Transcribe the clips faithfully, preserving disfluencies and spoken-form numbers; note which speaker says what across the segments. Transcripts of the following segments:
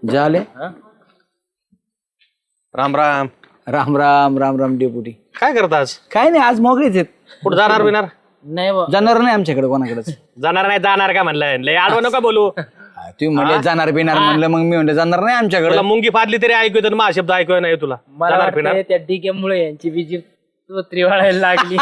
Speaker 1: झाले
Speaker 2: राम राम.
Speaker 1: राम राम राम राम डेपुटी.
Speaker 2: काय करत आज?
Speaker 1: काय नाही आज मोकळीच आहेत.
Speaker 2: कुठं जाणार बिणार?
Speaker 3: नाही बा.
Speaker 1: जाणार नाही आमच्याकडे कोणाकडेच.
Speaker 2: जाणार नाही जाणार का म्हणलं? लय आडवं नका बोलू.
Speaker 1: तुम्ही म्हणजे जाणार बिणार म्हणलं मग मी म्हणलं जाणार नाही आमच्याकडे.
Speaker 2: तुला मुंगी फाडली तरी ऐकू येतं, मा शब्द ऐकू नाही तुला.
Speaker 3: मला
Speaker 2: जाणार बिणार?
Speaker 3: वाटतं त्या डिग्यामुळे यांची विजी तोत्री वाढायला लागली.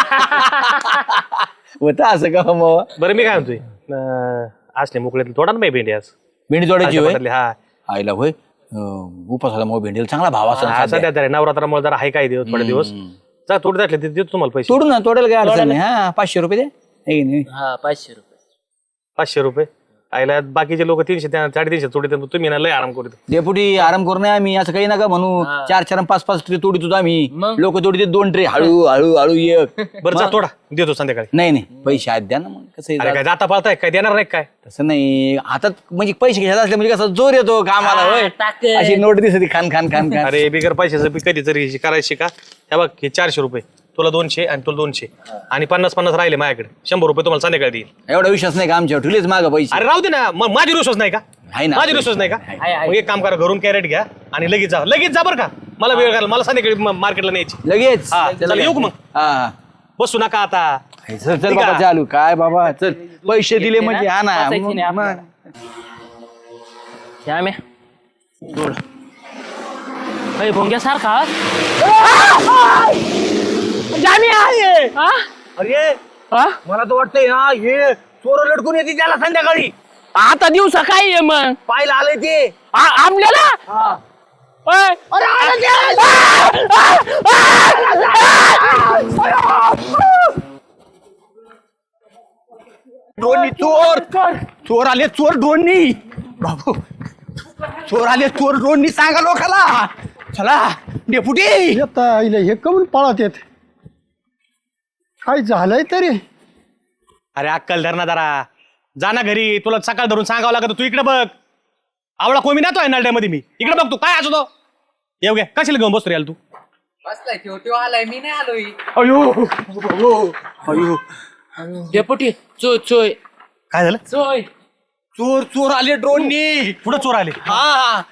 Speaker 1: होतं असं का मग.
Speaker 2: बरं मी काय म्हणतोय, अं, असले मोकळे थोडा ना भेंडी आज.
Speaker 1: भेंडी तोडायची होय?
Speaker 2: पटली, हा
Speaker 1: आईला होय. अं, उपासाला मग भेंडीला चांगला भाव
Speaker 2: हा,
Speaker 1: असं
Speaker 2: सध्या तरी नवरात्रामुळे जरा हाय काय दिवस थोडे दिवस जा थोडे जातले देतो तुम्हाला पैसे.
Speaker 1: तोडू ना तोडेल काय अडचण नाही. हा पाचशे रुपये दे. है की नाही?
Speaker 3: हा पाचशे रुपये.
Speaker 2: पाचशे रुपये आईला बाकीचे लोक तीनशे त्या- साडेतीनशे तोडे तुम्ही ना लय आराम करू.
Speaker 1: डेपुटी आराम करू नये आम्ही असं काही नका म्हणू. चार चार आणि पाच पाच ट्रे तोडीतो आम्ही.
Speaker 3: मग?
Speaker 1: लोक तोडीते दोन ट्रे हळू हळू हळू एक.
Speaker 2: बरं जा थोडा देतो संध्याकाळी.
Speaker 1: नाही नाही पैसे आज द्या ना मग कसं
Speaker 2: अरे
Speaker 1: आहे,
Speaker 2: काय जाता पाळताय काय देणार नाही काय?
Speaker 1: तसं नाही हातात म्हणजे पैसे घ्यायला असले म्हणजे कसं जोर येतो कामाला होय.
Speaker 3: टाकेल.
Speaker 1: अशी नोट दिसते खान खान खान खान.
Speaker 2: अरे बिगर पैशाचं बी कधी तरी करायची का? हे बघ हे चारशे रुपये तुला दोनशे आणि तुला दोनशे आणि पन्नास पन्नास राहिले माझ्याकडे. शंभर रुपये तुम्हाला संध्याकाळी देईल.
Speaker 1: एवढा विश्वास नाही का आमच्यावर ठेवलेच माग पैसे.
Speaker 2: अरे राहू दे ना मग माझी विश्वास नाही का?
Speaker 1: आहे ना.
Speaker 2: माझी विश्वास नाही का?
Speaker 1: आहे,
Speaker 3: आहे.
Speaker 2: मग एक काम करा घरून कॅरेट घ्या आणि लगेच जा लगेच जा बरं का. मला वेळ घाल मला संध्याकाळी मार्केटला न्यायची.
Speaker 1: लगेच
Speaker 2: हा, चला येऊ का मग?
Speaker 1: हा हा.
Speaker 2: बसू नका आता.
Speaker 1: चल चल
Speaker 2: ठीक
Speaker 1: बाबा
Speaker 2: आहे.
Speaker 1: चालू काय बाबा चल पैसे दिले म्हणजे हा ना
Speaker 3: बसायची नाही
Speaker 1: मग-
Speaker 3: आपल्याला. श्याम्या जोड अरे भोंग्यासारखा. हा?
Speaker 2: अरे
Speaker 3: हा?
Speaker 2: मला तर वाटतंय ना हे चोर लटकून येते त्याला संध्याकाळी
Speaker 3: आता दिवसा काय आहे मग
Speaker 2: पाहायला आलंय ते.
Speaker 3: आ- आमल्याला ओय.
Speaker 1: ड्रोननी चोर चोर आले चोर ड्रोननी बाबू चोर आले चोर ड्रोननी सांगा लोकाला. चला डेपुटी.
Speaker 4: येता आईला हे कमून पळत येत काय झालंय तरी.
Speaker 2: अरे अक्कल धर ना जरा. जा ना घरी तुला सकाळ धरून सांगावं लागत. तू इकडे बघ आवळा कोमी नातो आहे नालड्यामध्ये मी इकडे बघ. तू काय असतो तो येऊ घ्या कशाला घेऊन बसतो याल तू.
Speaker 3: बसलाय त्यो त्यो आलाय मी नाही आलोय.
Speaker 1: अयो अयो
Speaker 3: डेपुटी चोय चोय
Speaker 2: काय झालं?
Speaker 3: चोय.
Speaker 1: चोर चोर आले ड्रोननी.
Speaker 2: पुढे चोर आले.
Speaker 1: हा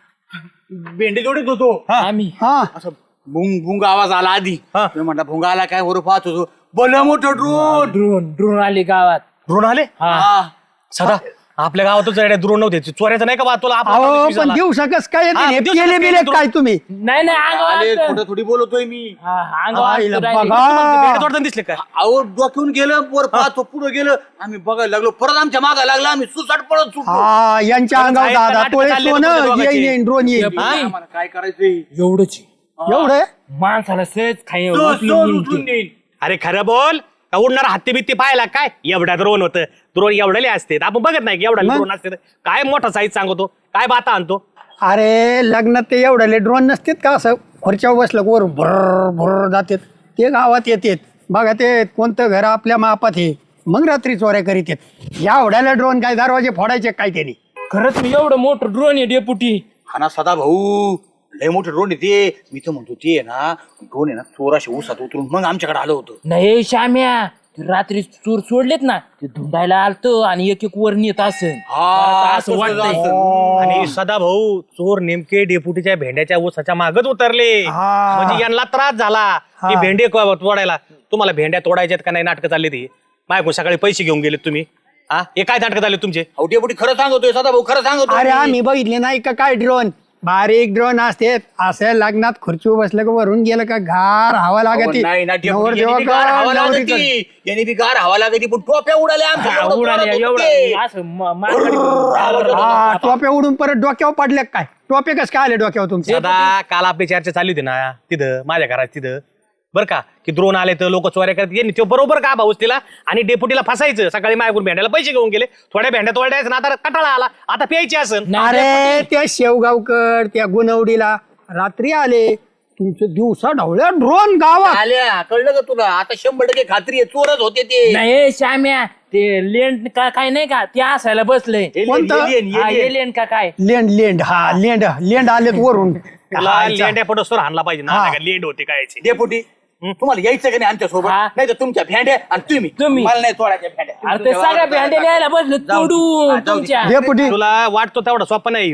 Speaker 1: भेंडी जोडीत होतो.
Speaker 3: आम्ही
Speaker 4: हा
Speaker 1: असं भुंग भुंग आवाज आला आधी.
Speaker 2: हा.
Speaker 1: मी म्हटलं भुंगा आला काय वर पाहत होतो बोल मोठं ड्रोन.
Speaker 3: ड्रोन ड्रोन आली गावात.
Speaker 2: ड्रोन आले.
Speaker 3: हा
Speaker 2: सदा आपल्या गावातच ड्रोन नव्हते. चोऱ्याचं नाही का बा तुला आपण
Speaker 4: अहो
Speaker 2: विश्वास
Speaker 4: पण
Speaker 2: आला.
Speaker 4: दिवसा कस काय
Speaker 2: हा,
Speaker 4: येते
Speaker 2: दिवसा
Speaker 4: केले
Speaker 2: कसं
Speaker 4: बिले
Speaker 2: काय
Speaker 4: काय तुम्ही.
Speaker 3: नाही नाही
Speaker 1: आले
Speaker 3: अंगावर
Speaker 1: थोडं थोडी बोलतोय मी.
Speaker 3: हा अंगावर
Speaker 4: आईला
Speaker 3: राहिली.
Speaker 4: बघा.
Speaker 2: भेंडे तोडताना दिसले काय?
Speaker 1: अहो डोक्यावून गेलं वर पाहतो पुढे गेलं आम्ही बघायला लागलो परत आमच्या मागा लागला आम्ही सुसाट पळत सुटलो.
Speaker 4: हा यांच्या
Speaker 2: परत
Speaker 4: अंगावर
Speaker 2: जायचं
Speaker 4: दादा
Speaker 2: नाटकं
Speaker 4: तोळे
Speaker 2: चालले
Speaker 4: सोनं
Speaker 2: तुमच्या दोघांची.
Speaker 4: येईन ड्रोन येईन.
Speaker 3: हा?
Speaker 1: आम्हाला काय करायचंय.
Speaker 3: एवढंच
Speaker 4: एवढे
Speaker 3: माणसाला सहज खाई
Speaker 1: सहज-
Speaker 3: उचलून
Speaker 1: सहज
Speaker 3: नेईल
Speaker 1: उचलून
Speaker 3: ते.
Speaker 1: नेईल.
Speaker 2: अरे खरं बोल का उडणारा हत्ती बित्ती पाहिला काय? एवढ्या द्रोण होतं. द्रोण एवढले असते आपण बघत नाही की एवढा
Speaker 4: मग?
Speaker 2: द्रोण असते. काय मोठा साईज सांगतो काय बाता आणतो.
Speaker 4: अरे लग्नात ते एवढ्याले ड्रोन नसतात का असं खुर्च्यावर बसलं वर भर भर जातात ते गावात येतात. बघा ते कोणतं घर आपल्या मापात हे मग रात्री चोऱ्या करीत येत. या एवढ्याला ड्रोन काय दरवाजे फोडायचे काय त्यांनी.
Speaker 3: खरंच मी एवढं मोठं ड्रोन आहे डेपुटी.
Speaker 1: हा ना सदा भाऊ लय मोठे ड्रोन येते. मी तर म्हणतो ते आहे ना ड्रोन आहे ना चोराशी उसात उतरून मग आमच्याकडे आलं होतं.
Speaker 3: नाही श्याम्या ते रात्री चोर सोडलेत ना ते धुंडायला आलतो आणि एक एक वर नेत असेल. मला तर असं
Speaker 1: तसंच
Speaker 3: वाटतंय.
Speaker 1: असं.
Speaker 2: आणि सदा भाऊ चोर नेमके डेपुटीच्या भेंड्याच्या ऊसाच्या मागच उतरले.
Speaker 4: हा.
Speaker 2: म्हणजे यांना त्रास झाला की भेंडे क- तोडायला. तुम्हाला भेंड्या तोडायच्यात का नाही नाटकं चालली ती माझ्याकडून सकाळी पैसे घेऊन गेलेत तुम्ही. हा हे काय नाटकं झाले तुमचे?
Speaker 1: अहो डेपुटी खरं सांगतोय सदा भाऊ खरं सांगतोय.
Speaker 4: अरे आम्ही बघितले नाही का काय ड्रोन बारीक ड्रोन असते असं लग्नात खुर्चीवर बसलं का वरून गेलं का घार हवा
Speaker 1: अहो,
Speaker 4: लागती.
Speaker 1: नाही ना डेपुटी,
Speaker 4: नवरदेवा
Speaker 1: यांनी बी गार हवा
Speaker 4: का
Speaker 1: लागती.
Speaker 4: नवरीचं.
Speaker 1: यांनी बी गार हवा लागती पण टोप्या उडाल्या आमच्या
Speaker 3: हा,
Speaker 1: एवढं
Speaker 3: उडाले
Speaker 1: जोरात होतं
Speaker 3: एवढं
Speaker 1: ते.
Speaker 3: असं म- मारवाडी-
Speaker 4: हा टोप्या उडून परत डोक्यावर पडले काय टोपे कस काय आले डोक्यावर तुमचे.
Speaker 2: सदा काल आपली चर्चा चालली होती ना तिथं माझ्या घरात तिथं बरं का की द्रोण आले तर लोक चोऱ्या करत यांनी ते बरोबर का भाऊस तिला आणि डेपुटीला फसायचं. सकाळी माझ्याकडून भेंड्याला पैसे घेऊन गेले. थोड्या भेंड्या तोडायचं ना आता कटाळा आला आता प्यायची असन.
Speaker 4: अरे त्या शेवगावकर त्या गुणवडीला रात्री आले तुमचे दिवसा ढवळ्या ड्रोन गावात.
Speaker 1: आल्या कळलं का तुला आता शंभर टक्के खात्री आहे चोरच होते ते.
Speaker 3: नाही श्याम्या ते लेंड का काय नाही का ते असायला बसले.
Speaker 1: एलियन,
Speaker 4: कोणतं?
Speaker 1: एलियन,
Speaker 3: हा,
Speaker 1: एलियन.
Speaker 3: एलियन का काय.
Speaker 4: लेंड लेंड हा लेंड लेंड आलेत वरून.
Speaker 2: तुला लेंड्या पडोसर हाणला पाहिजे ना
Speaker 4: हा.
Speaker 2: नाही का लेंड होते काय याची.
Speaker 1: डेपुटी तुम्हाला यायचं का नाही आमच्या सोबत
Speaker 3: हा.
Speaker 1: नाही तर तुमच्या भेंड्या आणि तुम्ही
Speaker 3: तुम्ही.
Speaker 1: मला नाही तोडायच्या भेंड्या.
Speaker 3: अरे ते सगळ्या भेंड्या न्यायला बसले
Speaker 1: जाऊ दे.
Speaker 3: तोडून
Speaker 1: हा, जाऊ दे.
Speaker 3: तुमच्या.
Speaker 4: डेपुटी
Speaker 2: तुला वाटतो तेवढा सोपा नाही हो.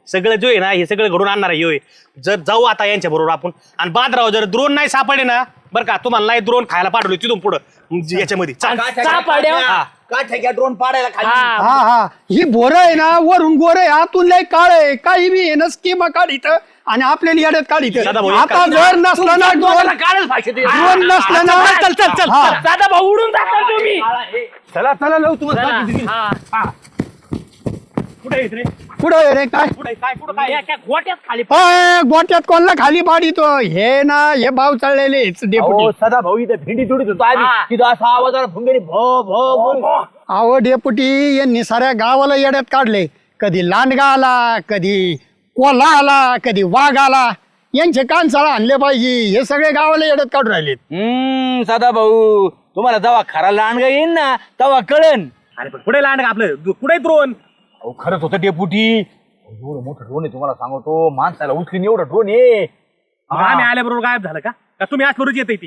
Speaker 2: सगळं जो आहे ना हे सगळं घडून आणणार आहे ह्यो आहे. जर जाऊ आता यांच्या बरोबर आपण आणि बादराव जर द्रोण नाही सापडले ना बरं का तुम्हाला नाही द्रोण खायला पाठवले तिथून पुढं याच्यामध्ये चा-
Speaker 3: सापड्या
Speaker 2: हा.
Speaker 1: का ठेक्या ड्रोन पाडायला खाली
Speaker 3: हा
Speaker 4: हा हा ही बोर आहे ना वरून गोर आहे आतून लय काळ आहे काही बी आहे ना स्कीमा काढित आणि आपल्याला येड्यात काढित
Speaker 2: दादा भाऊ,
Speaker 4: आता जर नसलं ना ड्रोन
Speaker 3: काढच भाषेत
Speaker 4: ड्रोन नसलं ना
Speaker 2: चल चल चल
Speaker 4: हा.
Speaker 3: दादा भाऊ उडून टाका तुम्ही
Speaker 1: चला चला लव तुम्हाला
Speaker 3: चला, हा.
Speaker 2: कुठे येत रे
Speaker 4: पुढे रे काय
Speaker 2: कुठे काय कुठं
Speaker 3: काय
Speaker 2: काय
Speaker 3: एका गोट्यात खाली
Speaker 4: अय, गोट्यात कोणला खाली पाडितो हे ना हे भाव चढलेले डेपुटी
Speaker 1: सदा भाऊ इथे भेंडी तोडीत होतो आधी
Speaker 3: हा.
Speaker 1: तिथं असा आवाज आला भुंगेरी भो भो भो
Speaker 4: अहो डेपुटी यांनी साऱ्या गावाला येड्यात काढले कधी लांडगा आला कधी कोल्हा आला कधी वाघ आला यांचे कानसाळा आणले पाहिजे हे सगळे गावाला येड्यात काढून राहिलेत
Speaker 1: हम्म सदा भाऊ तुम्हाला जेव्हा खरा लांडगा येईन ना तेव्हा कळन
Speaker 2: अरे पण कुठे लांड आपलं दु- कुठे द्रोण
Speaker 1: अहो खरंच होतं डेपुटी एवढं मोठं ड्रोन आहे तुम्हाला सांगतो माणसाला उचलीन एवढं ड्रोन आहे
Speaker 2: मग आम्ही आल्याबरोबर गायब झालं का का तुम्ही आज करूच येते ती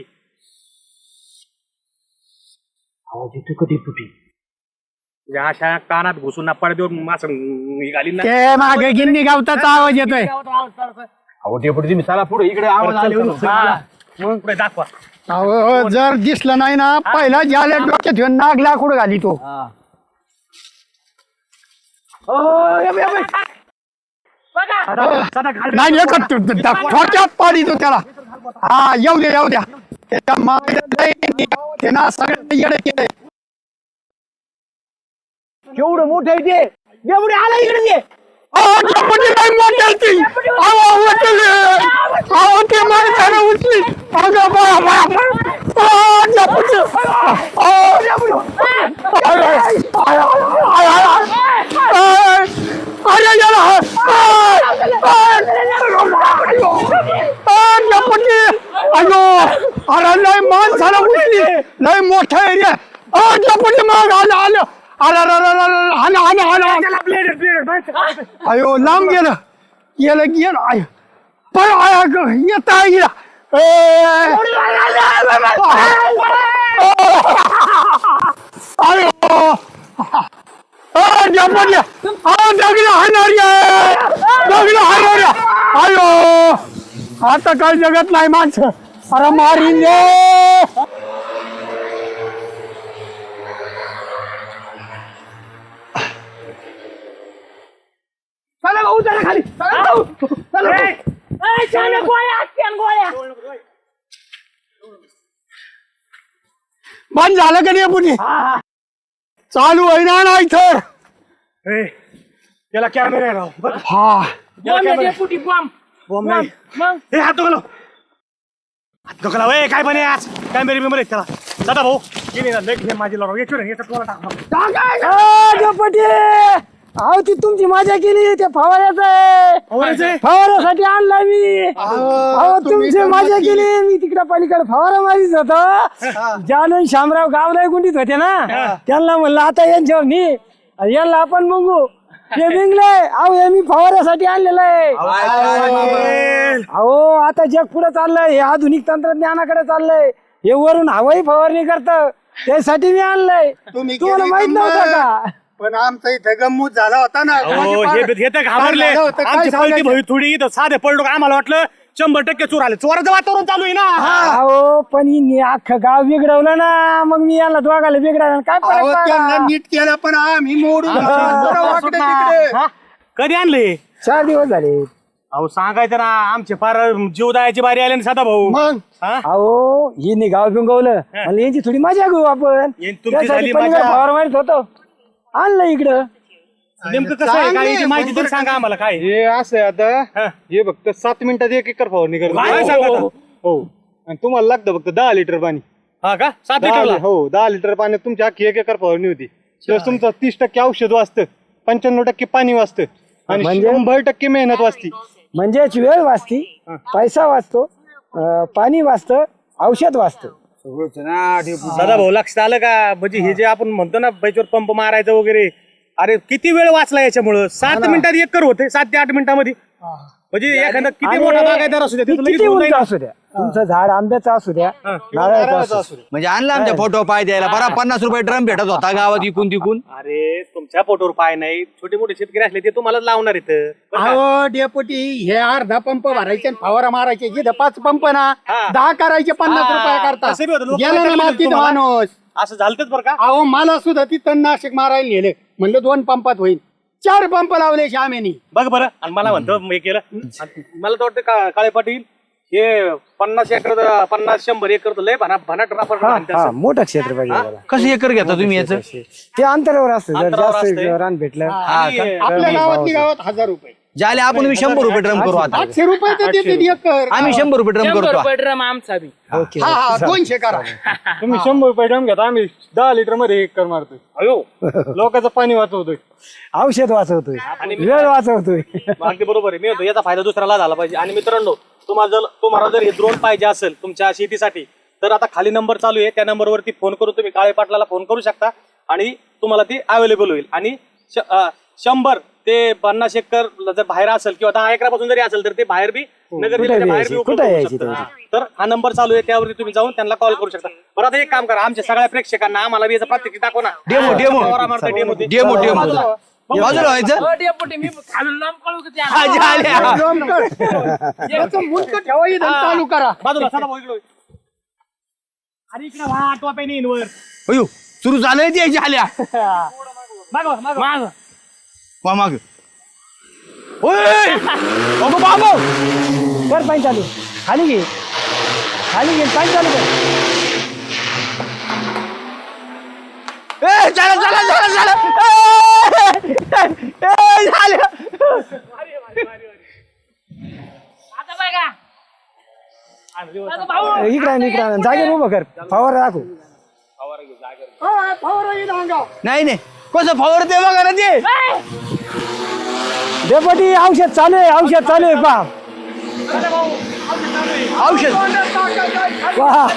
Speaker 1: आवाज येतोय का डेपुटी
Speaker 2: म्हणजे अशा कानात घुसून ना पडद्यावर मासं निघाली ना
Speaker 4: ते मागे गिन्नी गावताचा आवाज येतोय
Speaker 1: अहो डेपुटी तुम्ही चला पुढे इकडे आवाज आले
Speaker 2: मग पुढे दाखवा
Speaker 4: अहो जर दिसलं नाही ना पहिला ज्याला डोक्यात घेऊन नाग लाकूड घाली तो नाही एकच थोडक्यात पाडी तो त्याला हा येऊ द्या येऊ द्या त्याच्या मागे ते ना सगळं येडे केलंय
Speaker 1: केवढं मोठं आहे ते डेपुटी आला इकडे ये
Speaker 4: अहो, डेपुटी नाही मोठं ती. अहो, उचलली. अहो, ते माणसाने उचली. अगं, बा, बा, बा. अहो, डेपुटी. अहो, डेपुटी. अरे, अरे, अरे, अरे, अरे, याला. अरे, अरे, डेपुटी. अयो, अरे, लय माणसाला उचली. लय मोठं आहे रे. अहो, डेपुटी मग आलं आलं अरे अरे अरे अरे हाना हाना हाना अयो लांब गेलं गेलं गेलं आय पण आय येत आहे गेला अयो दगड हाणार दगड हाणार अयो आता काय जगत नाही माणसं अरे मारीन रे
Speaker 1: चला भाऊ चला खाली चला भाऊ चला
Speaker 4: बंद झालं का नाही पुणे चालू आहे ना नाही तर
Speaker 2: त्याला कॅमेरा राव बरं.
Speaker 4: हा
Speaker 3: डेपुटी बॉम्ब
Speaker 2: बॉम्ब नाही.
Speaker 3: मग
Speaker 2: ए हात नको लाव. हात नको लाव. ए काय बने आज कॅमेरे बिमेरे त्याला दादा भाऊ गेली ना लेख माझी लाव याच्यावर याचा टोला टाक
Speaker 4: डेपुटी अहो ती तुमची मजा केली ते फवाऱ्याचं आहे फवाऱ्यासाठी आणलाय मी अहो तुमची मजा केली मी तिकडे पलीकडे फवारा मारीत होतो जालून शामराव गावला गुंडीत होते ना त्यांना म्हणलं आता यांच्यावर नी यांना आपण बघू ते बिंगलंय अहो हे मी फवाऱ्यासाठी आणलेलं आहे अहो आता जग पुढे चाललंय हे आधुनिक तंत्रज्ञानाकडे चाललंय हे वरून हवाई फवारणी करत त्यासाठी मी आणलंय तुम्हाला माहित नव्हतं का पण आमचा इथे गंमूत झाला होता ना
Speaker 2: हे तर घाबरले आमची पलटी भई थोडी इथं साधे पडलो का आम्हाला वाटलं शंभर टक्के चोर आले चोराचं वातावरण चालू आहे ना
Speaker 4: अहो पण हिने अख्खं गाव बिघडवलं ना मग मी याला दोघाला बिघडायला काय फरक नीट केलं पण आम्ही मोडून
Speaker 2: हा? कधी आणले
Speaker 4: चार दिवस झाले
Speaker 2: अहो सांगायचं ना आमचे फार जीव द्यायची बारी आली ना साधा भाऊ
Speaker 4: मग
Speaker 2: हा?
Speaker 4: अहो हिने गाव बिंगवलं म्हणलं यांची थोडी मजा घेऊ आपण
Speaker 2: यांची तुमची
Speaker 4: त्यासाठी
Speaker 2: झाली
Speaker 4: पलीकडे
Speaker 2: मजा.
Speaker 4: फवार मारित होतो आणलं इकडं
Speaker 2: नेमकं कसं आहे काय याची माहिती तरी सांगा आम्हाला काय
Speaker 5: हे असं आहे आता
Speaker 2: हा.
Speaker 5: हे फक्त सात मिनिटात एक एकर फवारणी करतो
Speaker 2: काय सांगता आता?
Speaker 5: हो आणि तुम्हाला लागतं फक्त दहा लिटर पाणी
Speaker 2: हा का सात
Speaker 5: दहा
Speaker 2: लिटरला
Speaker 5: लि- हो दहा लिटर पाण्यात तुमची अख्खी एक एकर फवारणी होती तर तुमचं तीस टक्के औषध वाचतं पंच्याण्णव टक्के पाणी वाचतं आणि
Speaker 4: म्हणजे?
Speaker 5: शंभर टक्के मेहनत वाचती
Speaker 4: म्हणजेच वेळ वाचती पैसा वाचतो अं, पाणी वाचतं औषध वाचतं
Speaker 2: दादा भाऊ लक्षात आलं का म्हणजे हे जे आपण म्हणतो ना बैचवर पंप मारायचं वगैरे अरे किती वेळ वाचला याच्यामुळं सात मिनिटात एक कर होते सात ते आठ मिनिटामध्ये म्हणजे एखादा किती मोठा बागायदार असू द्या तिथं लगेच
Speaker 4: किती
Speaker 2: होऊन
Speaker 4: उंच
Speaker 2: जाईल.
Speaker 4: असू द्या
Speaker 6: तुमचं झाड आंब्याचं असू द्या नारळाचं असू द्या.
Speaker 1: म्हणजे आणला आमच्या फोटो पाय द्यायला बरा पन्नास रुपये ड्रम भेटत होता गावात इकून तिकून.
Speaker 2: अरे तुमच्या पोटोवर पाय नाही, छोटे मोठे शेतकरी असले ते तुम्हालाच लावणार इथं.
Speaker 4: अहो डेपुटी हे अर्धा पंप भरायचे आणि फवारा मारायचे जिथं पाच पंप ना दहा करायचे पन्नास रुपये करता
Speaker 2: तसं बी होतं, लोकं
Speaker 4: गेला ना
Speaker 2: विचारलं
Speaker 4: मातीत
Speaker 2: तुम्हाला.
Speaker 4: माणूस.
Speaker 2: असं झालंच बरं का.
Speaker 4: अहो मला सुद्धा ती तणनाशक मारायला नेले म्हणलं दोन पंपात होईल, चार पंप लावले श्यामेनी.
Speaker 2: बघ बरं, आणि मला म्हणतो हे केलं. आणि मला तर वाटतं का काळे पाटील हे पन्नास एकर पन्नास शंभर एकर तर लय भना भनाट रापर
Speaker 6: हा हा मोठं क्षेत्र पाहिजे मला.
Speaker 1: कसं एकर घेता तुम्ही याचं?
Speaker 6: ते अंतरावर असतं जर
Speaker 2: अंतरावर
Speaker 6: जास्त
Speaker 2: असतंय.
Speaker 6: रान भेटलं
Speaker 4: आपल्या गावातली गावात हजार रुपये
Speaker 1: ज्याला आपण मी शंभर रुपये ड्रम करू आता.
Speaker 4: आठशे रुपये तर देते एकर.
Speaker 1: आम्ही शंभर रुपये ड्रम
Speaker 3: शंभर
Speaker 1: करतो.
Speaker 3: रुपये ड्रम आमचा बी.
Speaker 6: ओके
Speaker 4: हा हा दोनशे करा.
Speaker 5: तुम्ही शंभर रुपये ड्रम घेता, आम्ही दहा लिटर मध्ये एक कर मारतोय.
Speaker 2: अयो
Speaker 5: लोकांचं पाणी वाचवतोय.
Speaker 6: औषध वाचवतोय वेळ वाचवतोय.
Speaker 2: अगदी बरोबर आहे. मी म्हणतो याचा फायदा दुसऱ्याला झाला पाहिजे. आणि मित्रांनो, तुम्हाला जर तुम्हाला जर हे ड्रोन पाहिजे असेल तुमच्या शेतीसाठी तर आता खाली नंबर चालू आहे, त्या नंबरवरती फोन करून तुम्ही काळे पाटलाला फोन करू शकता आणि तुम्हाला ती अवेलेबल होईल. आणि श- अं, शंभर ते पन्नास एकर जर बाहेर असेल किंवा दहा एकरापासून जरी असेल तर ते बाहेर बी नगर जिल्ह्याच्या बाहेर बी उपलब्ध
Speaker 6: कुठे
Speaker 2: होऊ
Speaker 6: यायची
Speaker 2: शकतं. तर हा नंबर चालू आहे, त्यावरती तुम्ही जाऊन त्यांना कॉल करू शकता. बरं आता एक काम करा, आमच्या सगळ्या प्रेक्षकांना आम्हाला बी याचा प्रात्यक्षिक दाखवा ना.
Speaker 1: Demo demo
Speaker 2: demo
Speaker 1: demo demo बाजूला व्हायचं.
Speaker 3: हो, डेपुटी, मी खालून लांब कळू का त्या?
Speaker 1: हा, झाल्या.
Speaker 4: त्याचं मुंडकं ठेवा इथं चालू करा.
Speaker 2: बाजूला सदा भाऊ इकडे. अरे इकडे वा टोप्या नेईन वर.
Speaker 1: अयो सुरू झालंय ते झाल्या.
Speaker 2: मागवा मागवा.
Speaker 3: माग.
Speaker 1: वा माग. ओय अगं बाबा
Speaker 6: कर पाणी चालू खाली घे खाली घे पाणी चालू कर.
Speaker 1: ए चला चला चला चला. ए, ए, झाल्या.
Speaker 3: आता बघा. आता भाऊ.
Speaker 6: इकडे आण, इकडे आण. जागेवर उभं कर फवारा दाखव.
Speaker 4: हा, फवारा इथं अंगावर.
Speaker 1: नाही नाही कसं फवारते बघा ना ते.
Speaker 6: डेपुटी औषध चालू आहे औषध चालू आहे पा
Speaker 1: औषध.
Speaker 6: वा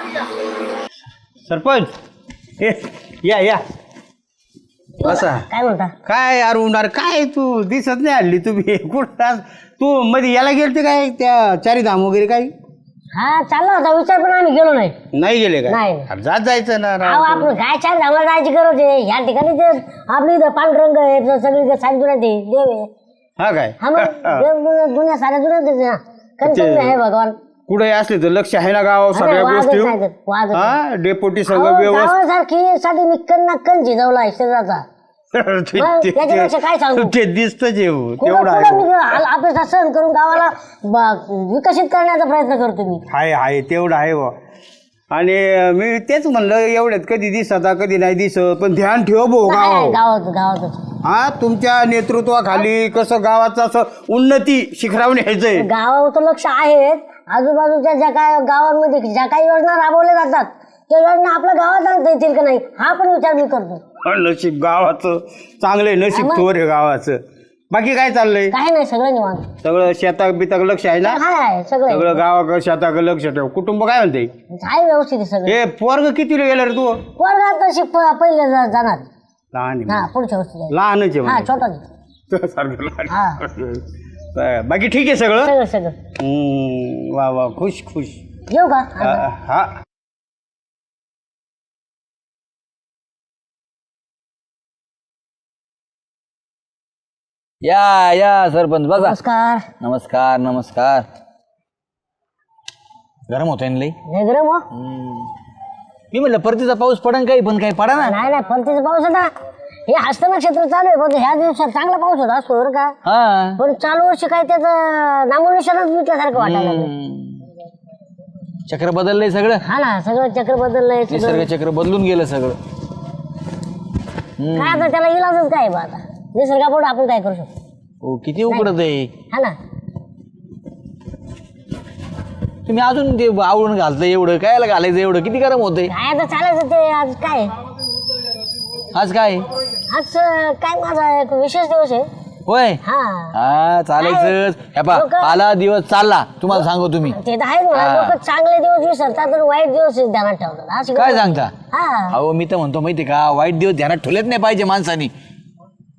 Speaker 1: सरपंच ए, या या असा
Speaker 7: काय म्हणता
Speaker 1: काय यार उन्हार काय तू दिसत नाही हल्ली तुम्ही कुठं तू मध्ये याला गेलते काय त्या चारीधाम वगैरे काही
Speaker 7: हा चालला होता विचार पण आम्ही गेलो नाही
Speaker 1: नाही गेले काय
Speaker 7: नाही.
Speaker 1: अरे जात जायचं ना
Speaker 7: अहो
Speaker 1: राव.
Speaker 7: आपण काय चार धामाला जायची गरज आहे ह्या ठिकाणी ते आपली इथं पांढरंग आहे सगळी सारी दुनिया ते देव आहे
Speaker 1: हा काय
Speaker 7: हा मग देव दुनिया दुनिया साऱ्या दुनिया कणकण आहे भगवान.
Speaker 1: कुठे असले तर लक्ष आहे ना गाव सगळ्या
Speaker 7: अरे वादच
Speaker 1: गोष्टी
Speaker 7: नाही तर, वादच
Speaker 1: हा डेपोटी
Speaker 7: अहो,
Speaker 1: सगळं व्यवस्थित.
Speaker 7: गावासारखी साठी मी कण कण झिजवला आहे शरीराचा
Speaker 1: ते-
Speaker 7: मग
Speaker 1: ते-
Speaker 7: त्याच्यापेक्षा काय सांगू?
Speaker 1: ते दिसत जेव
Speaker 7: कुठं
Speaker 1: तेवढं
Speaker 7: कुठं मी
Speaker 1: आहे
Speaker 7: आपल्या सहन करून गावाला ब- विकसित करण्याचा प्रयत्न करतो मी.
Speaker 1: हाय हाय तेवढं आहे बा. आणि मी तेच म्हणलं एवढ्यात कधी दिसत कधी नाही दिसत पण ध्यान ठेव भाऊ
Speaker 7: काय आहे
Speaker 1: गाव.
Speaker 7: गावात गावातच
Speaker 1: हा तुमच्या नेतृत्वाखाली कसं गावाचं असं उन्नती शिखरावर न्यायचंय.
Speaker 7: गावावर लक्ष आहे. आजूबाजूच्या ज्या काय गावांमध्ये ज्या काही योजना राबवल्या जातात त्या योजना आपल्या गावात आणता येतील का नाही हा पण विचार मी करतो.
Speaker 1: नशीब गावाचं चांगलंय नशीब
Speaker 7: मग?
Speaker 1: थोर आहे गावाचं. बाकी काय चाललंय
Speaker 7: काही नाही सगळं निवांत
Speaker 1: सगळं शेताक बिताक लक्ष आहे ना.
Speaker 7: हाय आहे सगळं आहे.
Speaker 1: सगळं गावाकडे शेताक लक्ष ठेव. कुटुंब काय म्हणते
Speaker 7: आहे व्यवस्थित आहे सगळं.
Speaker 1: हे पोरग कितीला गेलं रे तू.
Speaker 7: वर्गात तशी प- पहिले जा- जाणार
Speaker 1: लहान
Speaker 7: हा
Speaker 1: आहे.
Speaker 7: पुढच्या वर्षी जाईल.
Speaker 1: लहानच आहे
Speaker 7: हा
Speaker 1: म्हणजे.
Speaker 7: छोटा नाही.
Speaker 1: तुझ्यासारखं लहान.
Speaker 7: हा
Speaker 1: बाकी ठीक आहे सगळं.
Speaker 7: सगळं सगळं
Speaker 1: हम्म, वा वा खुश खुश.
Speaker 7: येऊ का
Speaker 1: हा, हा
Speaker 8: या या सरपंच बसा.
Speaker 7: नमस्कार
Speaker 8: नमस्कार नमस्कार. गरम होतोय ना लई.
Speaker 7: लय गरम हो
Speaker 8: मी म्हटलं परतीचा पाऊस पडन काही पण काही पडा ना.
Speaker 7: नाही नाही परतीचा पाऊस होता हे हस्त नक्षत्र चालू आहे पण ह्या दिवसात चांगला पाऊस होता असतो बरं का.
Speaker 8: हा
Speaker 7: पण चालू वर्षी काय त्याचं नामोनिशाणच मिटल्यासारखं वाटायला लागलं.
Speaker 8: चक्र बदललंय सगळं.
Speaker 7: हा ना सगळं चक्र बदललंय सगळं.
Speaker 8: निसर्ग चक्र बदलून गेलं सगळं.
Speaker 7: काय आता त्याला इलाजच काय बा आता निसर्गापुढे आपण काय करू शकतो.
Speaker 8: हो किती उकडत आहे.
Speaker 7: हा ना
Speaker 8: तुम्ही अजून ते आवडून घालताय एवढं कायला घालायचं एवढं किती गरम होतंय.
Speaker 7: काय आता चालायचं ते आज काय
Speaker 8: आज काय
Speaker 7: आज अं, काय माझा एक विशेष दिवस आहे.
Speaker 8: होय.
Speaker 7: हा
Speaker 8: हा चालायचंच. हे पा
Speaker 7: लोकं-
Speaker 8: आला दिवस चालला तुम्हाला सांगू तुम्ही.
Speaker 7: ते तर आहे
Speaker 8: हा.
Speaker 7: लोक चांगले दिवस विसरतात तर वाईट दिवस ध्यानात ठेवतात अशी
Speaker 8: काय
Speaker 7: गंमत.
Speaker 8: सांगता.
Speaker 7: हा
Speaker 8: अहो मी तर म्हणतो माहिती का वाईट दिवस ध्यानात ठेवलेच नाही पाहिजे माणसानी.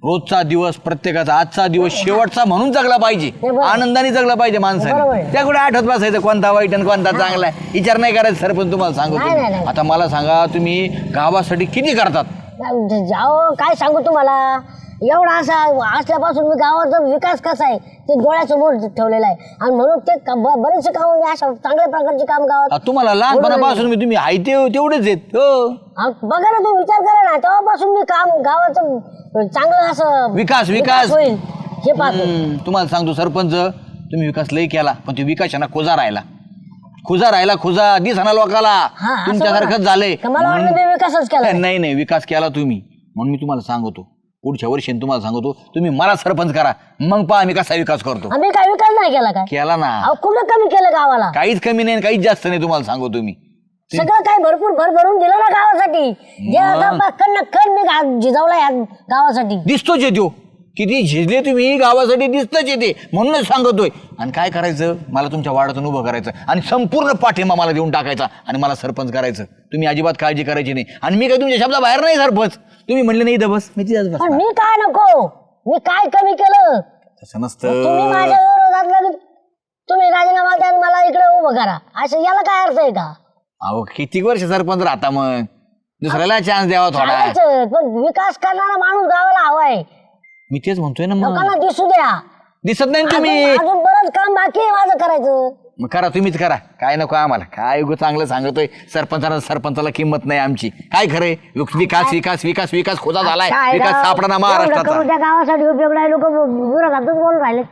Speaker 8: रोजचा दिवस प्रत्येकाचा आजचा दिवस शेवटचा म्हणून जगला पाहिजे, आनंदाने जगला पाहिजे
Speaker 7: बरोबर
Speaker 8: माणसाने.
Speaker 7: आहे.
Speaker 8: त्याकडे आठवत बसायचं कोणता वाईट आणि कोणता चांगला आहे विचार नाही करायचा. सरपंच तुम्हाला
Speaker 7: नाही, नाही,
Speaker 8: सांगतो,
Speaker 7: नाही.
Speaker 8: आता मला सांगा तुम्ही गावासाठी किती करतात?
Speaker 7: जाओ काय सांगू तुम्हाला, एवढा असा असल्यापासून मी गावाचा विकास कसा आहे ते डोळ्यासमोर ठेवलेला आहे. आणि म्हणून ते क- ब- बरेचसे काम मी अशा चांगल्या प्रकारचे काम गावात
Speaker 8: आ, तुम्हाला लहानपणापासून मी तुम्ही आहे ते तेवढेच आहेत हो.
Speaker 7: हा, बघा ना तुम्ही विचार करा ना, तेव्हापासून मी काम गावाचं चांगलं असं
Speaker 8: विकास, विकास.
Speaker 7: होईल हे पाहतो.
Speaker 8: हम्म, तुम्हाला सांगतो सरपंच, तुम्ही विकास लय केला पण तो विकासाना खुजा राहिला, खुजा राहिला खुजा दिसना लोकाला.
Speaker 7: हा, असं
Speaker 8: तुमच्यासारखंच
Speaker 7: बघा.
Speaker 8: झालंय.
Speaker 7: का मला वाटलं मी विकासच केला.
Speaker 8: नाही नाही विकास केला तुम्ही, म्हणून मी तुम्हाला सांगतो पुढच्या वर्षी तुम्हाला सांगतो तुम्ही मला सरपंच करा, मग पहा आम्ही कसा विकास करतो.
Speaker 7: आम्ही काय विकास नाही केला काय?
Speaker 8: केला ना,
Speaker 7: अहो कुठं कमी केलं गावाला?
Speaker 8: काहीच कमी नाही आणि काहीच जास्त नाही. तुम्हाला सांगतो तुम्ही
Speaker 7: सगळं काही भरपूर भर भरून दिलं ना गावासाठी. जे आता कण कण मी गा- जिजावला या गावासाठी.
Speaker 8: दिसतोच येतो किती झिजले तुम्ही गावासाठी, दिसतच येते म्हणूनच सांगतोय. आणि काय करायचं, मला तुमच्या वाड्यातून उभं करायचं आणि संपूर्ण पाठिंबा मला देऊन टाकायचा आणि मला सरपंच करायचं. तुम्ही अजिबात काळजी करायची नाही. आणि मी काय तुमच्या शब्दाबाहेर नाही सरपंच, तुम्ही म्हणले नाही इथं बस मी तिथंच बस.
Speaker 7: पण मी काय नको, मी काय कमी केलं?
Speaker 8: तसं नसतं.
Speaker 7: तुम्ही माझ्या विरोधात लगेच तुम्ही राजीनामा द्या आणि मला इकडे उभं करा, असं याला काय अर्थ आहे का?
Speaker 8: अहो किती वर्ष सरपंच राहता, मग दुसऱ्याला चान्स द्यावा थोडा.
Speaker 7: चालायचं, पण विकास करणारा माणूस गावाला हवाय.
Speaker 8: मी तेच म्हणतोय ना, मग
Speaker 7: लोकांना दिसू द्या.
Speaker 8: दिसत नाही ना तुम्ही.
Speaker 7: अजून अजून बरंच काम बाकी आहे माझं करायचं.
Speaker 8: मग करा, तुम्हीच करा, काय नको आम्हाला. काय उगं चांगलं सांगतोय सरपंचाला, सरपंचाला किंमत नाही आमची. काय खरंय, विकास विकास विकास विकास खोजा झालाय,
Speaker 7: काय
Speaker 8: विकास
Speaker 7: राव,
Speaker 8: सापडा ना
Speaker 7: एवढं
Speaker 8: महाराष्ट्राचा.
Speaker 7: करून त्या गावासाठी उपयोग नाही, लोक विरोधातच बोलून राहिले.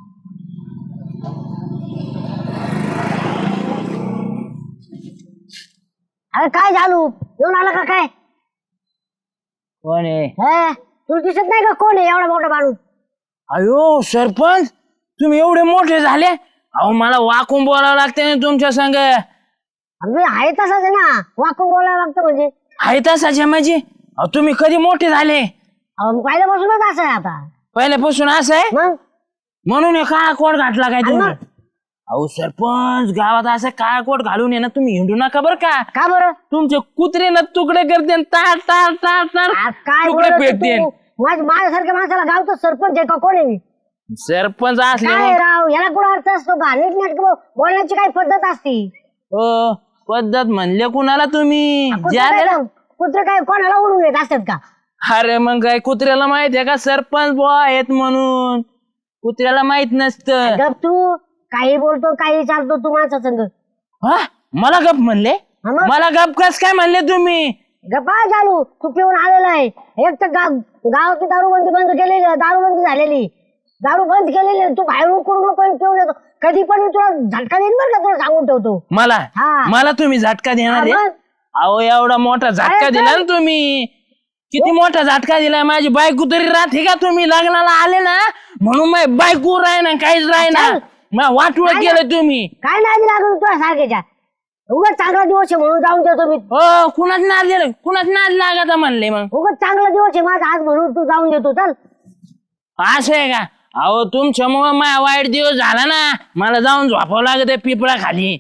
Speaker 7: अरे काय झालं, येऊन आला का काय?
Speaker 3: कोण आहे?
Speaker 7: हे, तुला दिसत नाही का कोण आहे एवढा मोठा माणूस?
Speaker 3: अयो सरपंच, तुम्ही एवढे मोठे झाले, अहो मला वाकून बोलावं लागते ना तुमच्या संग.
Speaker 7: मी आहे तसाच आहे ना, वाकून बोलायला लागतं म्हणजे.
Speaker 3: आहे तसाचे माझी. अहो तुम्ही कधी मोठे झाले?
Speaker 7: अहो, पहिल्यापासूनच असं आहे आता.
Speaker 3: पहिल्यापासून असं आहे
Speaker 7: मग
Speaker 3: म्हणून हे काळा कोट घातला काय तुम्ही?
Speaker 7: मग?
Speaker 3: अहो सरपंच, गावात असं काळा कोट घालून ये ना तुम्ही हिंडू नका बरं का.
Speaker 7: का बरं?
Speaker 3: तुमचे कुत्रे ना तुकडे करते न ताट ताट ताट ताट
Speaker 7: आज काय
Speaker 3: तुकडे
Speaker 7: बोलत
Speaker 3: पेटते.
Speaker 7: तू? माझ- माझ्यासारख्या माणसाला गावचा सरपंच आहे का कोण आहे मी?
Speaker 3: सरपंच असले
Speaker 7: काय राव, याला कुठं अर्थ असतो का? नीट नेट बोलण्याची काही पद्धत असती.
Speaker 3: हो, पद्धत म्हणले कुणाला तुम्ही?
Speaker 7: कुत्रं
Speaker 3: ज्याला-
Speaker 7: काय कुत्र काय कोणाला उडून येत असतात का?
Speaker 3: अरे मग काय कुत्र्याला माहित आहे का सरपंच बुवा आहेत म्हणून? कुत्र्याला माहित नसतं.
Speaker 7: गप तू काही बोलतो काही चालतो तू माणसा संग.
Speaker 3: हा, मला गप म्हणले?
Speaker 7: हा मग?
Speaker 3: मला गप कस काय म्हणले तुम्ही?
Speaker 7: गप्पा चालू, तू पिऊन आलेला आहे. एक तर गाव गावाची दारूबंदी बंद केलेली, दारूबंदी झालेली, दारू बंद केलेली आहे. तू बाहेर उकडून नको पिऊन येतो कधी पण, मी तुला झटका देईन बरं का, तुला सांगून ठेवतो.
Speaker 3: मला
Speaker 7: हा.
Speaker 3: मला तुम्ही झटका देणार आहे?
Speaker 7: हा, मग?
Speaker 3: अहो एवढा मोठा झटका
Speaker 7: अरे
Speaker 3: दिला ना
Speaker 7: चल.
Speaker 3: तुम्ही. किती मोठा झटका दिलाय. माझी बायको तरी राहते का? तुम्ही लग्नाला आले ना म्हणून माझी बायको राही ना, काहीच राही ना.
Speaker 7: चल.
Speaker 3: मग वाटवळ
Speaker 7: काय
Speaker 3: केलं तुम्ही.
Speaker 7: काय नाही लागत तुला सारख्याच्या. उगाच चांगला दिवस आहे म्हणून जाऊन देतो मी.
Speaker 3: हो, कुणाच नाद दिलं, कुणाच नाद लागायचा म्हणले. मग
Speaker 7: उगाच चांगला दिवस आहे माझा आज म्हणून तू जाऊन देतो. चल
Speaker 3: असं आहे का? अहो तुमच्यामुळं माझा वाईट दिवस झाला ना, मला जाऊन झोपावं लागत पिपळा खाली.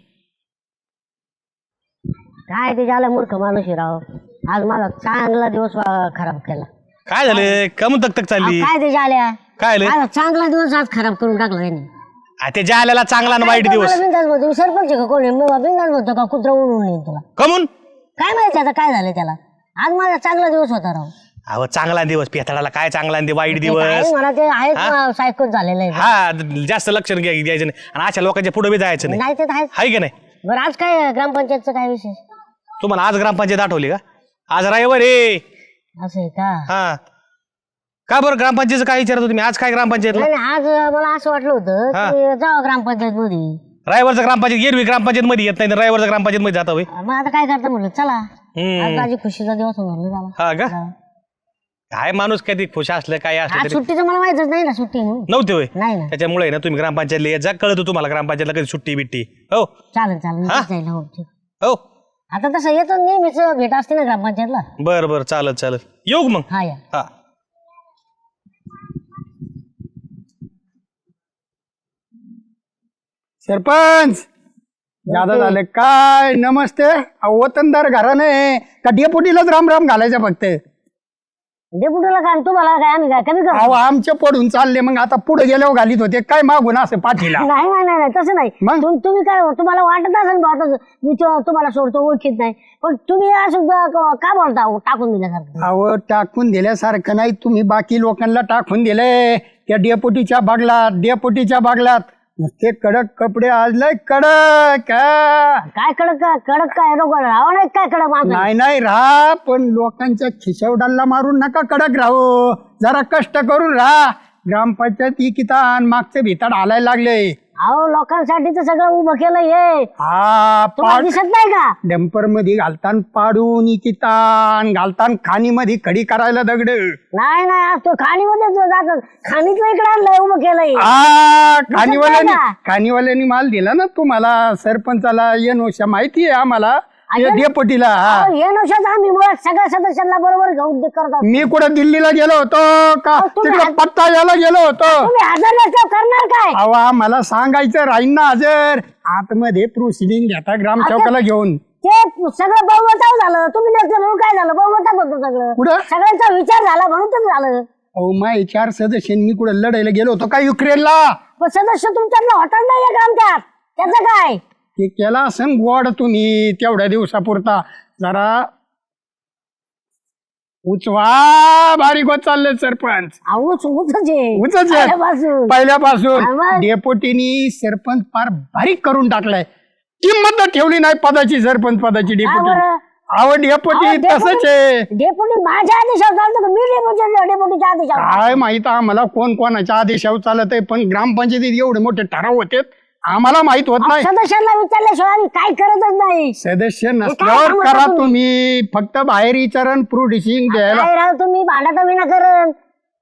Speaker 7: काय ते झालं मूर्ख माणूस आहे राव. आज माझा चांगला दिवस अं, खराब केला.
Speaker 2: काय झालं, कम तक तक चालली?
Speaker 7: काय ते झाल्या
Speaker 2: काय झालं?
Speaker 7: माझा चांगला दिवस आज खराब करून टाकला त्यांनी.
Speaker 2: आ, ते जाल्याला चांगला आणि वाईट
Speaker 7: काय
Speaker 2: दिवस
Speaker 7: मला बिनधास्त म्हणतो, मी सरपंच आहे का कोण आहे? मी बिनधास्त म्हणतो का कुत्रा उडून येईल तुला?
Speaker 2: कमून?
Speaker 7: काय माहिती आता काय झालं त्याला. आज माझा चांगला दिवस होता राव.
Speaker 2: अहो चांगला दिवस, पेथाडाला काय चांगला आणि वाईट
Speaker 7: ते
Speaker 2: दिवस.
Speaker 7: काय मला ते आहेच सायकोच झालेलं आहे.
Speaker 2: हा, जास्त लक्ष घ्याय- द्यायचं नाही आणि अशा लोकांच्या पुढे बी जायचं नाही.
Speaker 7: नाही ते तर आहेच.
Speaker 2: हाय की नाही?
Speaker 7: बरं आज काय ग्रामपंचायतचं काय विशेष?
Speaker 2: तुम्हाला आज ग्रामपंचायत आठवली का? आज रविवार आहे.
Speaker 7: असं आहे का?
Speaker 2: हा, का बरं ग्रामपंचायतचं काय विचारत तुम्ही? आज काय ग्रामपंचायतला?
Speaker 7: नाही नाही, आज मला असं वाटलं होतं
Speaker 2: हा.
Speaker 7: की जावं ग्रामपंचायत मध्ये.
Speaker 2: रविवारचं ग्रामपंचायत एरवी ग्रामपंचायत मध्ये येत नाही, रविवारचं ग्रामपंचायत मध्ये जाता होय.
Speaker 7: मग आता काय करता म्हणलं चला.
Speaker 2: हम्म.
Speaker 7: आज माझी खुशीचा दिवस म्हणलं झाला.
Speaker 2: हा का? काय माणूस कधी खुश असलं काय असलं
Speaker 7: आज
Speaker 2: तरी
Speaker 7: सुट्टीचं मला माहितच नाही ना सुट्टी म्हणून.
Speaker 2: नव्हते होय.
Speaker 7: नाही ना.
Speaker 2: त्याच्यामुळे ना तुम्ही ग्रामपंचायतला येत जा, कळतं तुम्हाला ग्रामपंचायतला कधी सुट्टी बिट्टी. हो
Speaker 7: चालेल चालेल
Speaker 2: हा?
Speaker 7: नक्कीच जाईल. हो ठीक.
Speaker 2: हो,
Speaker 7: आता तसं येतो नेहमीच भेट असते ना ग्रामपंचायतला.
Speaker 2: बर बर, चालत चालत येऊ का मग.
Speaker 7: हा या.
Speaker 2: हा,
Speaker 4: सरपंच जादा झालं काय? नमस्ते. अहो, वतनदार घराने का डेपुटीलाच राम राम घालायचं फक्त?
Speaker 7: डेपुटीला काय तुम्हाला काय आम्ही काय कमी
Speaker 4: अहो
Speaker 7: करतो
Speaker 4: आमचे पडून चालले मग आता पुढे गेल्यावर घालीत होते काय मागून असं पाठीला
Speaker 7: नाही नाही नाही नाही, तसं नाही
Speaker 4: मग?
Speaker 7: तुम- तुम्ही काय तुम्हाला वाटत असेल बा तसं मी तो- तुम्हाला सोडतो ओळखीत नाही पण तुम्ही असं ब- क- का बोलता हो, टाकून दिल्यासारखं
Speaker 4: अहो टाकून दिल्यासारखं नाही तुम्ही बाकी लोकांना टाकून दिलंय त्या डेपुटीच्या बागलात डेपुटीच्या बागलात नुसते कडक कपडे आज लय कडक हा.
Speaker 7: काय कडक काय कडक काय लोक राहावं नाही काय कडक माणसं
Speaker 4: नाही नाही राहा पण लोकांच्या खिशवडाला मारून नका कडक राहू जरा कष्ट करून राहा ग्रामपंचायत इकितान मागचे भिताड हालायला लागले
Speaker 7: अहो लोकांसाठी तर सगळं उभं केलं हे
Speaker 4: हा
Speaker 7: तुम्हाला
Speaker 4: पाड
Speaker 7: दिसत नाही का
Speaker 4: डंपर मध्ये घालतान पाडून इकितान घालतान खाणी मध्ये खडी करायला दगड
Speaker 7: नाही नाही आज तो खाणीमध्ये जातात खाणीतलं इकडे आणलंय उभं केलंय
Speaker 4: हा
Speaker 7: दिसत
Speaker 4: खाणीवाल्यांनी
Speaker 7: नाही का?
Speaker 4: खाणीवाल्यांनी माल दिला ना तुम्हाला सरपंचाला येनोशा माहिती आहे आम्हाला
Speaker 7: अजून?
Speaker 4: डेपटीला हा
Speaker 7: अहो, हे नशाच आम्ही मुळात सगळ्या सदस्यांना बरोबर घेऊन करतो
Speaker 4: मी कुठं दिल्लीला गेलो होतो का
Speaker 7: अहो, तुम्ही
Speaker 4: तिकडं
Speaker 7: हात-
Speaker 4: पत्ता यायला गेलो होतो
Speaker 7: तुम्ही हजर नसल्यावर करणार काय
Speaker 4: अहो आम्हाला सांगायचं राहीन ना हजर आतमध्ये प्रोसिडिंग घेता ग्राम
Speaker 7: आता-
Speaker 4: चौकाला घेऊन
Speaker 7: ते सगळं बहुमताव झालं तुम्ही नसले म्हणून काय झालं बहुमतात होतं सगळं
Speaker 4: कुठं?
Speaker 7: सगळ्यांचा विचार झाला म्हणून तर झालं
Speaker 4: अहो माय चार सदस्य मी कुठं लढायला गेलो होतो का युक्रेनला
Speaker 7: पण सदस्य तुमच्यातला होताच नाही का आमच्यात त्याचं काय
Speaker 4: ते केला असं गोड तुम्ही तेवढ्या दिवसापुरता जरा उचवा बारीक होत चालले सरपंच
Speaker 7: आऊच उचच आहे.
Speaker 4: उचच आहे.
Speaker 7: पहिल्यापासून.
Speaker 4: पहिल्यापासून
Speaker 7: आम्हा-
Speaker 4: डेपोटीनी सरपंच फार बारीक करून टाकलाय किंमत तर ठेवली नाही पदाची सरपंच पदाची डेपोटी
Speaker 7: बरं?
Speaker 4: अहो डेपोटी
Speaker 7: अहो,
Speaker 4: तसंच
Speaker 7: डेपुटी-
Speaker 4: आहे
Speaker 7: डेपुटी माझ्या आदेशावर चालतो का मी डेपुटी डेपुटीच्या आदेशावर
Speaker 4: काय माहित आम्हाला कोण कोणाच्या आदेशावर चालत आहे पण ग्रामपंचायतीत एवढे मोठे ठराव होते आम्हाला माहित होत नाही
Speaker 7: सदस्यांना विचारल्याशिवाय आम्ही काय करतच नाही
Speaker 4: सदस्य
Speaker 7: काय
Speaker 4: नसल्यावर
Speaker 7: सांगता
Speaker 4: करा
Speaker 7: तुम्ही?
Speaker 4: तुम्ही फक्त बाहेर विचारण प्रोडिसिंग द्यायला
Speaker 7: काय राव तुम्ही भांडा विना करण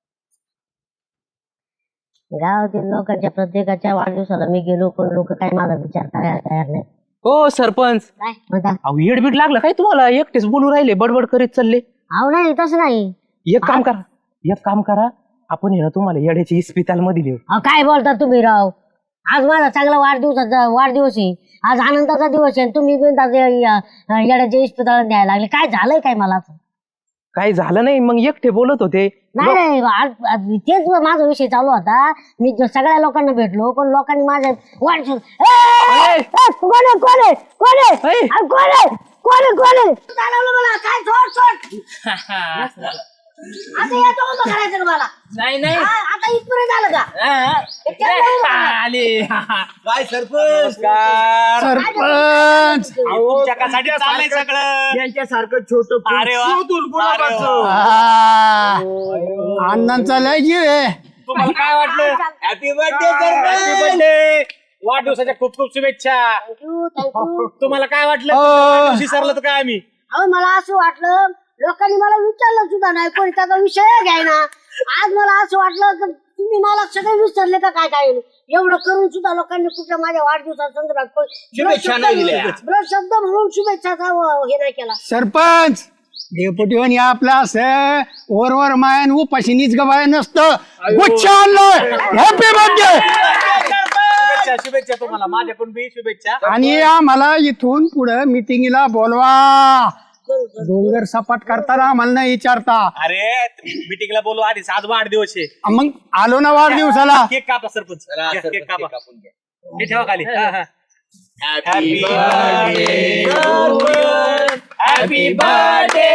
Speaker 7: गावातील लोकांच्या प्रत्येकाच्या वाढदिवसाला मी गेलो पण लोक काय माझा विचार करायला तयार नाही
Speaker 3: हो सरपंच
Speaker 7: काय म्हणता
Speaker 3: अहो येडबीड लागलं काय तुम्हाला एकटेच बोलू राहिले बडबड करीत चालले
Speaker 7: अहो नाही तसं नाही
Speaker 3: एक काम करा एक काम करा आपण हे ना तुम्हाला येड्याची इस्पिताल मध्ये लिहू
Speaker 7: अहो काय बोलता तुम्ही राव आज माझा चांगला वाढदिवसाचा वाढदिवस आहे आज आनंदाचा दिवस आहे तुम्ही बिनधास्त या- या- येड्याच्या इस्पितळात द्यायला लागले काय झालंय काय मला असं?
Speaker 3: काही झालं नाही मग एकटे बोलत होते
Speaker 7: नाही नाही आज आज तेच माझा विषय चालू होता मी ज- सगळ्या लोकांना भेटलो पण लोकांनी माझ्या वाढदिवस ए, ए, ए, कोण आहे कोण आहे कोण आहे
Speaker 3: ए.
Speaker 7: अरे, कोण आहे कोण आहे कोण आहे चालवलं मला काय सोड सोड आता याचं उभं करायचं का मला
Speaker 3: नाही नाही
Speaker 7: हा, आता इथपर्यंत झालं का हे केलं उभं करा.
Speaker 3: आले
Speaker 8: काय सरपंच
Speaker 4: सरपंच
Speaker 2: तुमच्यासाठी चाललंय सगळं
Speaker 8: यांच्यासारखं छोट
Speaker 2: अरे वा. अरे वा.
Speaker 4: हा. अण्णांचा लय जीव आहे
Speaker 2: तुम्हाला काय वाटलं
Speaker 8: हॅपी बर्थडे
Speaker 2: Happy birthday. वाढदिवसाच्या खूप खूप शुभेच्छा
Speaker 7: Thank you, thank you.
Speaker 2: तुम्हाला काय वाटलं
Speaker 4: अं.
Speaker 2: विसरलं तर काय आम्ही
Speaker 7: अहो मला असं वाटलं लोकांनी मला विचारलं सुद्धा नाही कोणी त्याचा विषय घ्यायना आज मला असं वाटलं की तुम्ही मला सगळे विसरले का काय काय एवढं करून सुद्धा लोकांनी कुठल्या माझ्या वाढदिवसा संदर्भात कोण-
Speaker 8: शुभेच्छा
Speaker 7: शब्द
Speaker 8: नाही
Speaker 7: म्हणून-
Speaker 8: दिल्या.
Speaker 7: ब्रश शब्द म्हणून शुभेच्छाचा व- हे नाही केला
Speaker 4: सरपंच डेपुटीवानी आपला असं वरवर मायन उपाशी नीच गबाय नसतं गुच्छ आणलं हॅपी बर्थडे
Speaker 2: शुभेच्छा शुभेच्छा तुम्हाला माझ्याकडून बी शुभेच्छा
Speaker 4: आणि आम्हाला इथून पुढे मिटिंगला बोलवा डोंगर सपाट करताना आम्हाला नाही विचारता
Speaker 2: अरे मीटिंगला बोलू आधीच आज वाढदिवस आहे
Speaker 4: मग आलो ना वाढदिवसाला
Speaker 2: केक कापा सरपंच
Speaker 8: चला,
Speaker 2: घ्या,
Speaker 8: सरपंच,
Speaker 2: केक कापा
Speaker 8: केक कापून घ्या.
Speaker 2: हे ठेवा खाली हा, हा.
Speaker 8: Happy
Speaker 2: happy birthday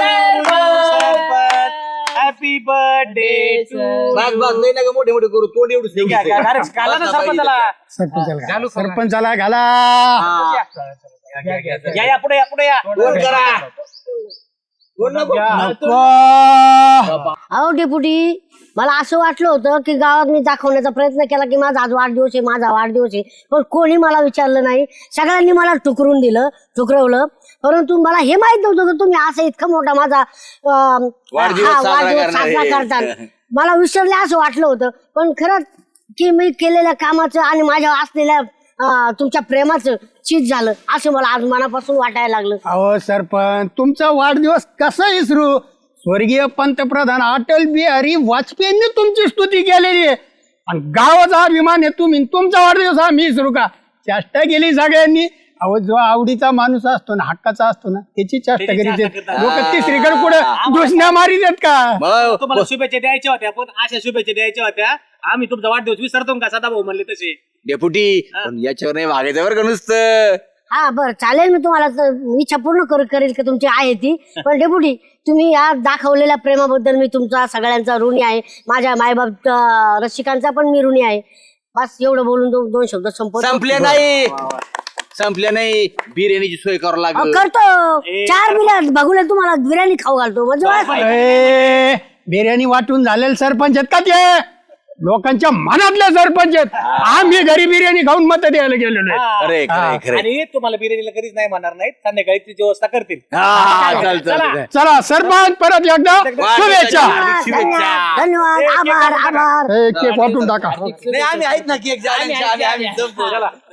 Speaker 2: happy birthday
Speaker 8: बस बस लय नका मोठे मोठे करू तोंड एवढं
Speaker 2: घाला ना सरपंचाला
Speaker 4: सरपंचाला घाला. सरपंचाला घाला
Speaker 2: या या पुढे या पुढे या
Speaker 8: दोन करा दोन नको.
Speaker 4: नको.
Speaker 7: अहो डेपुटी मला असं वाटलं होतं की गावात मी दाखवण्याचा प्रयत्न केला की माझा आज वाढदिवस आहे माझा वाढदिवस आहे पण कोणी मला विचारलं नाही सगळ्यांनी मला ठुकरून दिलं ठुकरवलं परंतु मला हे माहित नव्हतं की तुम्ही असं इतका मोठा माझा अं,
Speaker 8: वाढदिवस
Speaker 7: हा,
Speaker 8: साजरा
Speaker 7: वाढदिवस
Speaker 8: करणार
Speaker 7: साजरा
Speaker 8: आहे.
Speaker 7: करतात मला विसरले असं वाटलं होतं पण खरंच की मी केलेल्या कामाचं आणि माझ्या असलेल्या अं, तुमच्या प्रेमाचं चीज झालं असं मला आज मनापासून वाटायला लागलं
Speaker 4: अहो सरपंच तुमचा वाढदिवस कसा विसरू स्वर्गीय पंतप्रधान अटल बिहारी वाजपेयींनी तुमची स्तुती केलेली आहे आणि गावाचा अभिमान आहे तुम्ही तुमचा वाढदिवस आम्ही विसरू का चेष्टा केली सगळ्यांनी अहो जो आवडीचा माणूस असतो ना हक्काचा असतो ना त्याची चेष्टा करीत लोक तिसरीकडे कुठं घोषणा मारी देत का
Speaker 8: मग
Speaker 2: तुम्हाला शुभेच्छा द्यायच्या होत्या पण अशा शुभेच्छा द्यायच्या होत्या आम्ही तुमचा वाढदिवस विसरतो का सदाभाऊ म्हणले तसे.
Speaker 8: डेपुटी पण याच्यावर नाही वागायचं बरं का नुसतं.
Speaker 7: हा बरं चालेल मी तुम्हाला तर इच्छा पूर्ण कर करेल की तुमची आहे ती पण डेपुटी तुम्ही या दाखवलेल्या प्रेमाबद्दल मी तुमचा सगळ्यांचा ऋणी आहे. माझ्या मायबाप अं, रसिकांचा पण मी ऋणी आहे. बस एवढं बोलून दो- दोन शब्द संपवतो.
Speaker 8: संपल्या नाही संपल्या नाही बिर्याणीची सोय करावं
Speaker 7: अहो,
Speaker 8: लागेल.
Speaker 7: करतो चार बिर्याणी बघूला तुम्हाला बिर्याणी खाऊ घालतो म्हणजे बस.
Speaker 4: ए, बिर्याणी वाटून झालेले सरपंच आहेत का ते लोकांच्या मनातले सरपंच आहेत. आम्ही घरी बिर्याणी खाऊन मत द्यायला गेलेलो आहे.
Speaker 8: अरे खरे खरे
Speaker 2: आणि तुम्हाला बिर्याणीला कधीच नाही म्हणणार नाहीत संध्याकाळी ती व्यवस्था करतील.
Speaker 8: हा चाल चाल
Speaker 4: चला सरपंच परत एकदा शुभेच्छा.
Speaker 7: धन्यवाद धन्यवाद आभार आभार
Speaker 4: ए, केक वाटून टाका.
Speaker 8: नाही आम्ही आहेत ना केक
Speaker 3: आम्ही- आम्ही- आम्ही-
Speaker 8: संपू.
Speaker 2: चला.